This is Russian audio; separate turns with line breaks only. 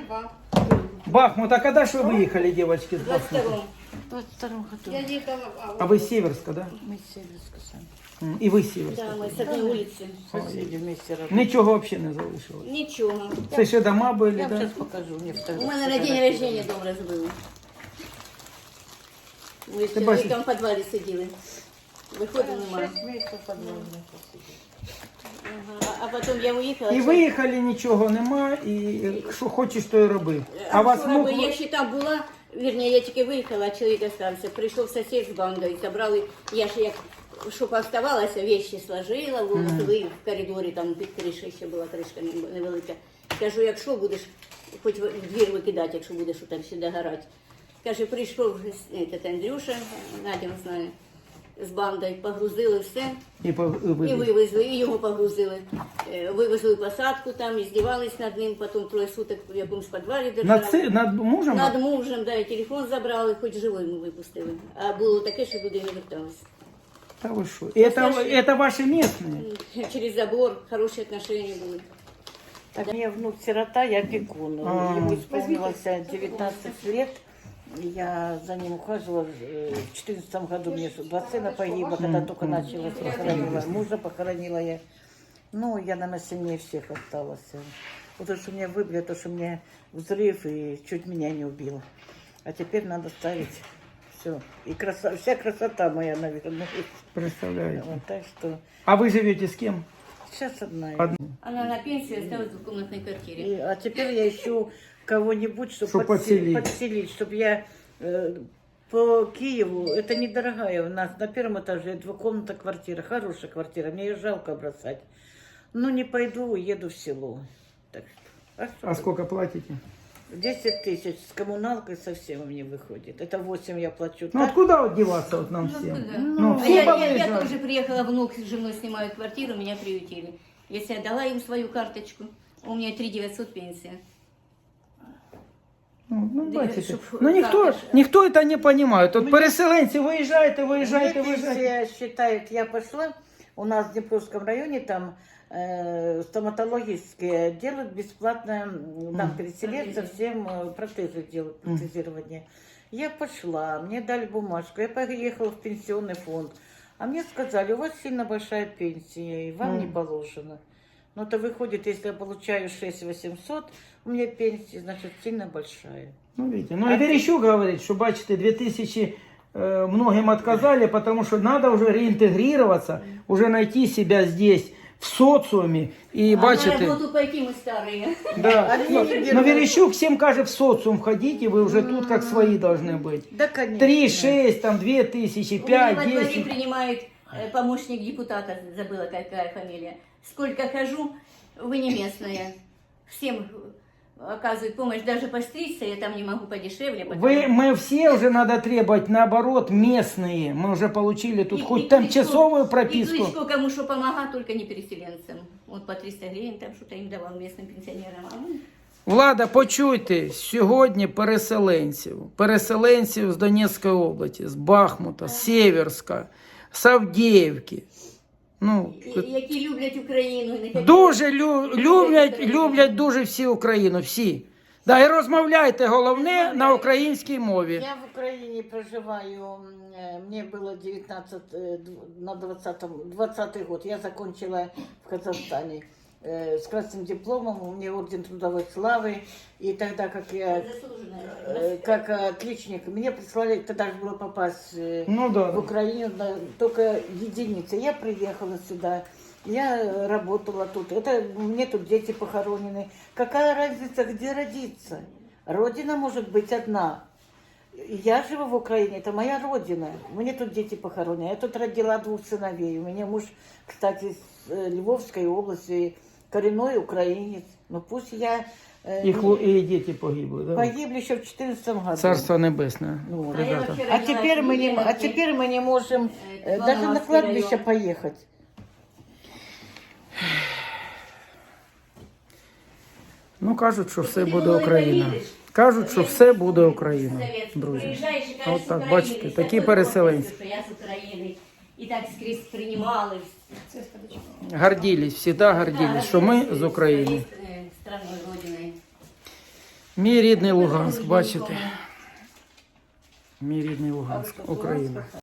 22.
Бахмут, а когда же вы выехали, девочки, с Бахмута?
22 году.
Я ехала в
А
августе.
вы с Северска, да?
Мы с Северска сами.
І ви з Сіверська?
Да, мы с одной улицы.
Соседи вместе работали.
Нічого взагалі не залишилось.
Ничего.
Це ще дома були,
Я вам
да?
сейчас покажу. Мне
У мене на день рождения дом розбили. Ми з
Ти бачиш?
чоловіком в підвалі сиділи. Виходимо, немає.
6 месяцев подвальных посидели.
Ага. А потім я уїхала.
І виїхали, нічого нема, і що хочеш, то і роби. А вас
вчора
мог...
би я ще там була, вірні, я тільки виїхала, а чоловік остався. Прийшов сусід з бандою, забрали, я ж як, щоб оставалася, вещи сложила, ви в коридорі, там під кришею ще була кришка невелика. Кажу, якщо будеш, хоч в двір викидати, якщо будеш там ще догорати. Каже, прийшов этот Андрюша, Надя не знаю, з бандою, погрузили все.
І
І
вивезли.
вивезли, і його погрузили. Вивезли в посадку, там, издевались над ним, потім 3 суток в якомусь підвалі держали.
Над мужем?
Над мужем, да, і телефон забрали, хоч живий ми випустили. А було таке, що люди не верталися.
Та ви що? Это ваши местные?
Через забор хороші отношения були.
Так, у меня внук сирота, я опекун. Ему исполнилось 19 лет. Я за ним ухаживала. В 2014 году мне 2 сына погибло, когда только начала, похоронила мужа, похоронила я. Ну, я, наверное, сильнее всех осталась. Вот то, что меня выбили, то, что мне взрыв и чуть меня не убило. А теперь надо ставить все. И вся красота моя, наверное.
Представляете.
Вот, так что
А вы живете с кем?
сейчас одна.
Она на пенсии осталась в двухкомнатной квартире.
А теперь я ищу кого-нибудь,
Чтоб
чтобы
подселить.
подселить, чтобы я по Киеву, это недорогая у нас, на первом этаже 2-комнатная квартира, хорошая квартира, мне ее жалко бросать. Ну, не пойду, уеду в село. Так что,
А сколько платите?
10 тысяч с коммуналкой совсем мне выходит. Это 8 я плачу.
Ну
так.
откуда вот деваться вот нам всем?
куда?
Ну,
А
все
я
повыезжали.
тоже приехала, внук с женой снимают квартиру, меня приютили. Если я дала им свою карточку, у меня 3 900 пенсия.
Ну,
Да,
бачите.
щоб
Ну, ніхто це не розуміє. Тут переселенці, виїжджайте.
Мне пенсия считает, я пошла, у нас в Днепровском районе там стоматологические делают бесплатно, там переселенцам всем протезы делают, протезирование. Я пошла, мне дали бумажку, я поехала в пенсионный фонд. А мне сказали, у вас сильно большая пенсия, и вам не положено. Ну, это выходит, если я получаю 6 800, у меня пенсия, значит, сильно большая.
Ну, видите. Ну, и Верещук говорит, что, бачите, 2000 многим отказали, потому что надо уже реинтегрироваться, уже найти себя здесь, в социуме. И,
А на
бачите,
работу пойти мы старые.
да.
Они не
Но
берут.
Верещук всем кажет, в социум входите, вы уже тут как свои должны быть.
Да, конечно.
3, 6, там, 2000,
У меня
5,
во дворе
10.
принимает помощник депутата, забыла какая фамилия. Сколько хожу, вы не местная. Всем оказывают помощь, даже постричься, я там не могу подешевле. потому-
Мы все уже надо требовать, наоборот, местные. Мы уже получили тут
И-
хоть
и
тимчасовую
кличку-
прописку.
И кличку кому что помогать, только не переселенцам. Вот по 300 гривен там что-то им давал местным пенсионерам. А мы-
Влада, почуйте, сьогодні переселенців з Донецької області, з Бахмута, з Сєверська, з Авдіївки. Ну,
Які люблять Україну. і не хотять-
дуже люблять
Україну.
дуже всі Україну, всі. Да, і розмовляйте, головне, на українській мові.
Я в Украине проживаю, мне было 19, на 20 год, я закончила в Казахстане с красным дипломом, у меня орден трудовой славы, и тогда, как я,
Заслуженная.
как отличник, мне прислали, тогда же было попасть
Ну да.
в Украину, только единицы. Я приехала сюда, я работала тут, мне тут дети похоронены. Какая разница, где родиться? Родина может быть одна. Я живу в Украине, это моя родина. Мне тут дети похоронены. Я тут родила 2 сыновей. У меня муж, кстати, с Львовской области, коренной украинец. Ну пусть я...
І діти погибли, да?
Погибли еще в 2014 году.
Царство небесне,
Ну,
А я
ребята.
вообще
А
родилась
теперь,
в
мы не,
Ленинграде.
а теперь мы не можем даже на
Волноваский
кладбище
район.
поехать.
Ну, кажуть, що все буде Україна. Кажуть, що все буде Україна, друзі. А от так, бачите, такі переселенці.
Я з України. І так скрізь приймали.
Гордились, завжди гордились, що ми з України.
Страною, родиною.
Мій рідний Луганськ, бачите? Мій рідний Луганськ, Україна.